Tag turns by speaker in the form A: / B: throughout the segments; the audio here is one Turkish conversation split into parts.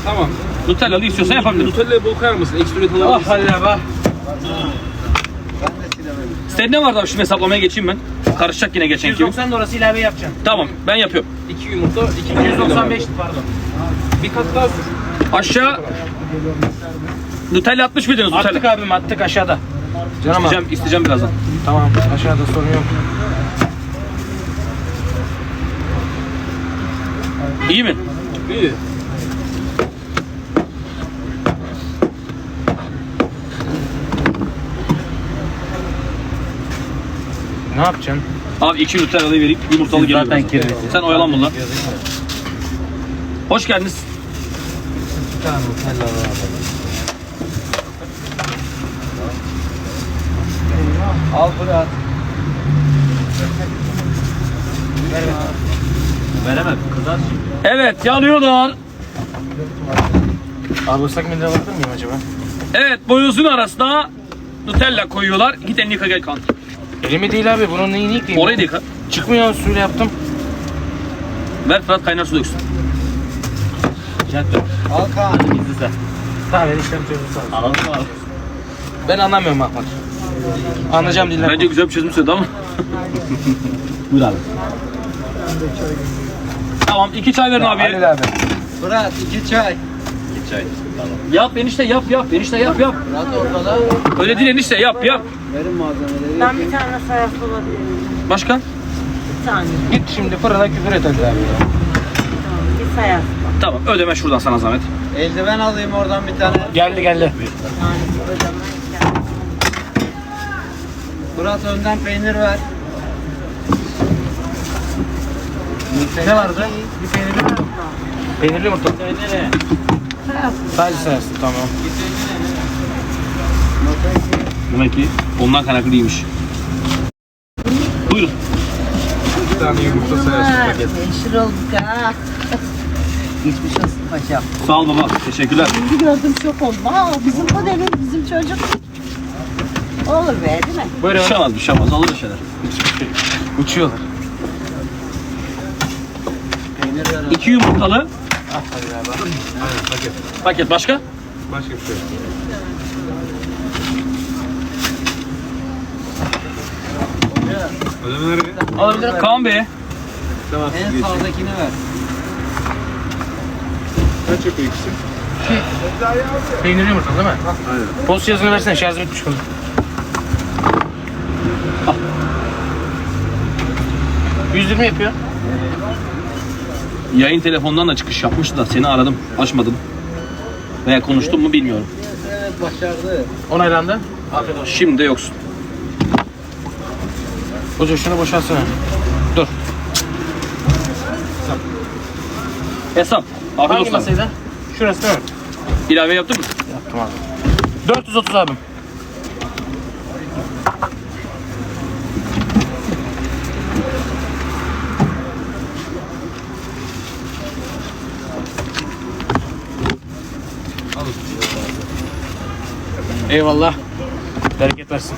A: Tamam.
B: Nutellalı istiyorsan yapabilirim.
A: Nutella'yı bol koyar mısın? Ekstra üret
B: Ah
A: alabilirsin.
B: hadi bak. Senin ne vardı abi, şimdi hesaplamaya geçeyim ben. Karışacak yine geçen gibi.
C: 190 da orası ilave yapacağım.
B: Tamam, ben yapıyorum.
A: 2 yumurta, 2
C: 195 pardon.
A: Bir kat daha sür.
B: Aşağı Nutella atmış mıydınız?
C: Attık
B: Nutella.
C: abim attık aşağıda. Canım
B: İsteyeceğim birazdan.
C: Tamam aşağıda sorun yok.
B: İyi mi?
A: İyi.
C: Ne yapacaksın?
B: Abi 2 Nutella'yı vereyim, yumurtalı geliyor.
C: zaten
B: birazdan.
C: kirli.
B: Sen oyalan bunlar. Hoş geldiniz.
C: Bir tane Nutella var. Al Fırat. Veremem. Kızar şimdi.
B: Evet, yanıyorlar.
C: Abi ıslak mendil alabilir miyim acaba?
B: Evet, boyozun arasına Nutella koyuyorlar. Git elini yıka gel kan.
C: Elimi değil abi bunun neyini yıkayayım?
B: Orayı da yıka.
C: Çıkmıyor suyla yaptım.
B: Ver Fırat, kaynar su döksün.
C: Al Kaan. Gizli tamam ben işlem çözüm sağ ol. Alalım abi. Ben anlamıyorum Ahmet. Anlayacağım diller.
B: Bence güzel bir çözüm söyledi ama. Buyur abi. Tamam, 2 çay verin abi.
C: Halil abi.
D: Fırat 2 çay.
B: Yap enişte, yap. Enişte yap.
D: Fırat ortada.
B: Öyle değil enişte, yap.
D: Verin malzemeleri.
E: Ben bir tane sayas olabilirim.
B: Başka?
E: Bir tane.
C: Git şimdi fırına küfür et Halil abi.
E: Tamam. Bir sayas.
B: Tamam, ödeme şuradan sana zahmet.
D: Eldiven alayım oradan bir tane.
C: Geldi.
E: Bir tanesi ödemem.
D: Fırat önden peynir ver.
C: Ne vardı? Bir peynirli mi? Peynirli yumurta. Sadece sayısı tamam.
B: Demek ki ondan kaynaklı değilmiş. Buyurun.
A: Bir tane yumurta sayarsın paket.
E: Meşhur olduk ha. Geçmiş olsun paşam.
B: Sağ ol baba, teşekkürler.
E: Şimdi gördüm şok oldum. Aa bizim modeli, bizim çocuk. Olur be değil mi?
B: Bir şey olmaz, olur bir şeyler.
C: Uçuyorlar.
D: Peynir ver.
B: 2 yumurtalı
C: Ah Halil abi.
A: Aynen paket.
B: paket, başka?
A: Başka bir şey yok. Ödemeleri
B: Alabilirim. Kaan Bey.
A: tamam.
D: En sağdakini ver.
A: Kaç yapıyor ikisi?
C: Peynirli yumurta değil mi?
A: Aynen.
C: Post yazını versene şarjım bitmiş kızım.
B: Al.
C: 120 yapıyor.
B: Yayın telefondan da çıkış yapmıştı da seni aradım, açmadın. Veya konuştum mu bilmiyorum.
D: Evet başardı.
C: Onaylandı. Afiyet olsun.
B: Şimdi de yoksun.
C: Hoca şunu boşaltsana. Dur.
B: Hesap. Afiyet
C: Hangi
B: olsun.
C: masaydı? Şurası değil mi?
B: İlave yaptın mı?
C: Yaptım abi. 430 abim. Eyvallah. Bereket versin.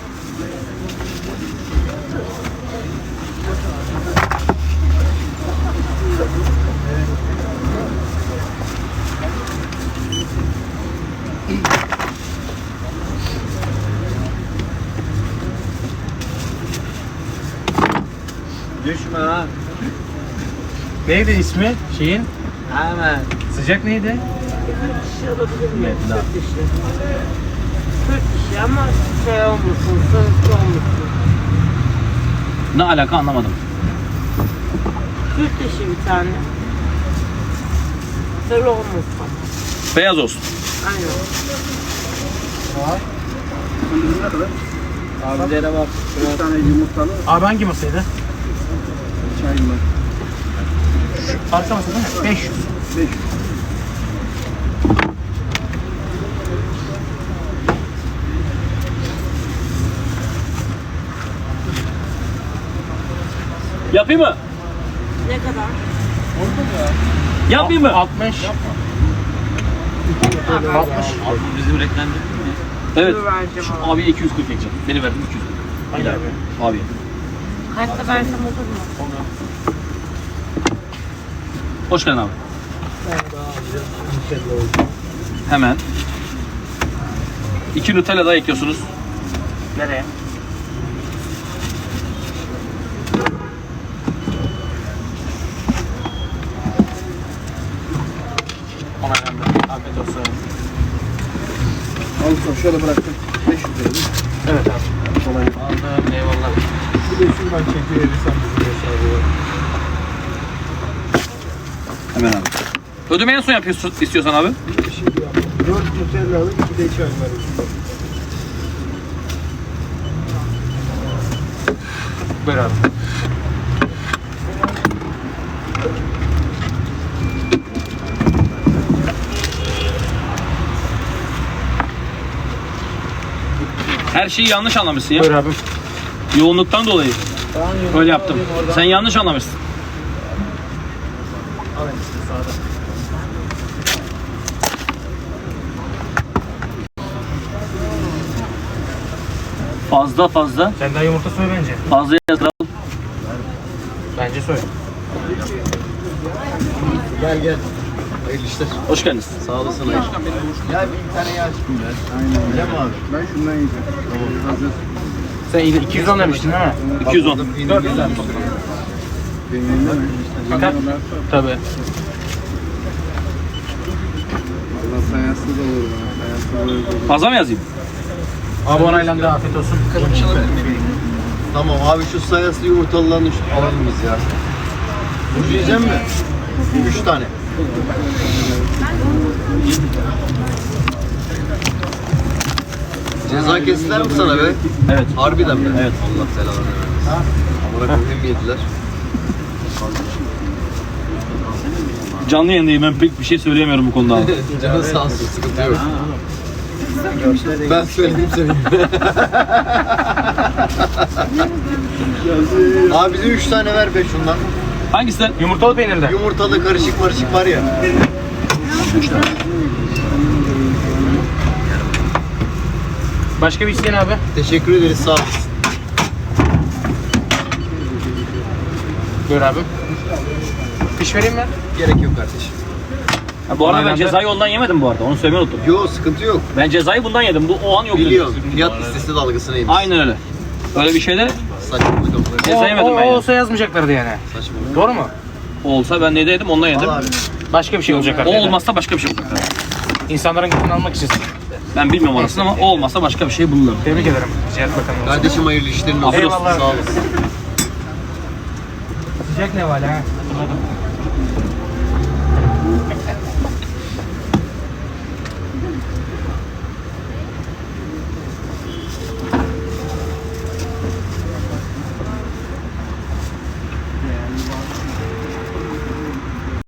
D: Düşme ha.
C: Neydi ismi şeyin?
D: Hemen.
C: Sıcak neydi?
E: Kişi olabilir mi? Türk dişi. Türk dişi ama şey olmasın, sarısı olmasın.
B: Ne alaka anlamadım.
E: Türk dişi bir tane. Sarı olmasın.
B: Beyaz olsun.
E: Aynen.
D: Abilere bak. Bir tane yumurtalı
C: Abi hangi masaydı?
D: çay var.
C: Arka masa değil mi? 500.
D: 500.
B: Yapayım mı?
E: Ne kadar?
B: Yapayım mı?
C: 60. 60.
B: Bizim reklamda. Evet.
E: Dur vereceğim
B: Şu abi 240 ekeceğim. Beni verdin 240.
C: Hayır abi.
B: Abi.
E: Kaçta versem olur mu?
B: Hoş geldin abi. Hemen. 2 Nutella daha ekliyorsunuz.
C: Nereye? Ona gönder. Afiyet olsun.
D: Al usta şöyle bıraktım. 500 lira değil mi?
C: Evet abi. Aldım. Eyvallah.
A: Bir de şuradan çekiverirsen bizim hesabı.
B: Hemen abi. Ödemeyi en son yapıyorsun istiyorsan abi.
A: 4 Nutella alıp bir de çay var.
C: Buyur abi.
B: Her şeyi yanlış anlamışsın ya.
C: Buyur abi.
B: Yoğunluktan dolayı. Öyle yaptım. Sen yanlış anlamışsın. Fazla
C: Sen daha yumurta soy bence.
B: fazla yatıralım.
C: Bence soy.
D: Gel gel. Hayırlı işler.
B: Hoş geldiniz.
D: Sağ olasın. Ya bir tane yağ çıkın ya. Aynen. Öyle mi abi? Ben şundan yiyeceğim. Tamam. Hazır.
C: Sen 210 demiştin değil mi?
B: 210.
C: 400 abi.
D: Benim elimde mi?
C: Fakat tabii.
D: Allah sayasız olur bana. Sayasız olur.
B: Fazla mı yazayım?
C: Abi onaylandı. Afiyet olsun.
D: Tamam abi şu sayasız yumurtalılarını alalım biz ya. Burcu yiyecek mi? 3 tane. Ceza kestiler mi sana be?
B: Evet.
D: Harbiden mi?
B: Evet.
D: Allah selamını versin. Amına koyayım yediler.
B: Canlı yayındayım, ben pek bir şey söyleyemiyorum bu konuda abi.
D: Canın sağ olsun, sıkıntı yok. Ben söyledim söyleyeyim. Abi bize 3 tane ver be şundan.
B: Hangisinden?
C: Yumurtalı peynirde.
D: Yumurtalı karışık marışık var ya.
C: Başka bir isteyen abi.
D: Teşekkür ederiz, sağ olasın.
C: Buyur abi. Piş vereyim mi?
D: Gerek yok kardeşim.
B: Ha, bu arada ben
C: Onaylandı.
B: cezayı ondan yemedim bu arada. Onu söylemeyi unuttum.
D: Yok, sıkıntı yok.
B: Ben cezayı bundan yedim. Bu o an yok.
D: Biliyorum. Fiyat listesi dalgasına yemiş.
B: Aynen öyle. Öyle bir şeyde
D: Saçmalık amına.
B: ceza yemedim ben
C: O
B: ya.
C: olsa yazmayacaklardı yani.
D: Saçmalık.
C: Doğru mu?
B: O olsa ben ne yedim ondan yedim.
D: Al abi.
C: Başka bir şey olacak
B: O
C: artık.
B: olmazsa başka bir şey olacak.
C: İnsanların gönlünü almak için.
B: Ben bilmiyorum orasını ama o olmazsa başka bir şey bulurlar.
C: Tebrik ederim. Cihat Bakanı olsun.
D: Kardeşim hayırlı işlerin olsun.
C: Eyvallah.
D: Sağ olasın.
C: Sıcak ne var ha?